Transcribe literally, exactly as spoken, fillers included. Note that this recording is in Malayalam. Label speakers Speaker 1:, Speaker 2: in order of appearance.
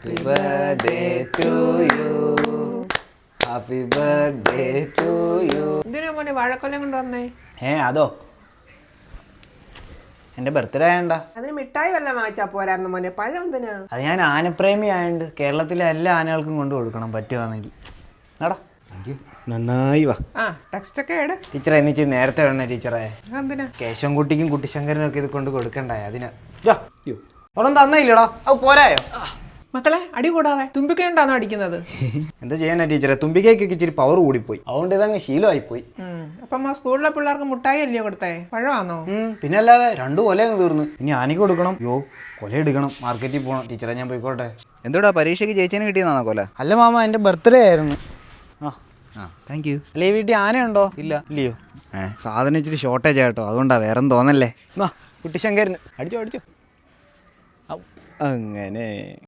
Speaker 1: Happy birthday to you, happy birthday to you.
Speaker 2: എന്തിനാ മോനെ വാഴക്കൊല്ലം കൊണ്ട് വന്നേ?
Speaker 1: ഏ അതോ എന്റെ ബർത്ത്ഡേ ആയണ്ട.
Speaker 2: അതിന് മിഠായി വല്ലതും വാങ്ങിച്ചാ പോരായിരുന്നു മോനെ, പഴം എന്തിനാ?
Speaker 1: അത് ഞാൻ ആനപ്രേമി ആയതുകൊണ്ട് കേരളത്തിലെ എല്ലാ ആനകൾക്കും കൊണ്ട് കൊടുക്കണം പറ്റുവാണെങ്കിൽ. എടാ നന്നായി വാ.
Speaker 2: ആ ടെക്സ്റ്റ് ഒക്കെ എട്
Speaker 1: ടീച്ചറെ എന്നിച്ച് നേരത്തെ വേണേ ടീച്ചറെ.
Speaker 2: എന്തിനാ?
Speaker 1: കേശവൻകുട്ടിക്കും കുട്ടിശങ്കരനും ഒക്കെ ഇത് കൊണ്ട് കൊടുക്കണ്ടായ അതിനാ. അവിടെ തന്നയില്ലടാ, അത് പോരായോ?
Speaker 2: മക്കളെ അടി കൂടാതെ തുമ്പിക്കയുണ്ടാണോ അടിക്കുന്നത്?
Speaker 1: എന്താ ചെയ്യാനാ ടീച്ചറെ, തുമ്പിക്കൈക്കൊക്കെ ഇച്ചിരി പവർ കൂടിപ്പോയി, അതുകൊണ്ട് ഇതങ്ങ് ശീലമായി പോയി.
Speaker 2: അപ്പം സ്കൂളിലെ പിള്ളേർക്ക് മുട്ടായി അല്ലയോ കൊടുത്തേ, പഴമാണോ?
Speaker 1: പിന്നെ അല്ലാതെ രണ്ടു കൊല അങ്ങ് തീർന്നു. ഇനി ആനയ്ക്ക് കൊടുക്കണം. യോ കൊല എടുക്കണം, മാർക്കറ്റിൽ പോകണം. ടീച്ചറെ ഞാൻ പോയിക്കോട്ടെ.
Speaker 3: എന്തോടാ പരീക്ഷയ്ക്ക് ചേച്ചിനെ കിട്ടിയെന്നാണോ കൊല?
Speaker 1: അല്ല മാമ, എൻ്റെ ബർത്ത്ഡേ ആയിരുന്നു. ആ
Speaker 3: ആ താങ്ക് യു.
Speaker 1: അല്ല ഈ വീട്ടിൽ ആനയുണ്ടോ? ഇല്ല. ഇല്ലയോ? ഏ സാധനം ഇച്ചിരി ഷോർട്ടേജ് ആയിട്ടോ, അതുകൊണ്ടാ, വേറെ തോന്നല്ലേ. ആ കുട്ടിശങ്കരന് അടിച്ചോ അടിച്ചോ. അങ്ങനെ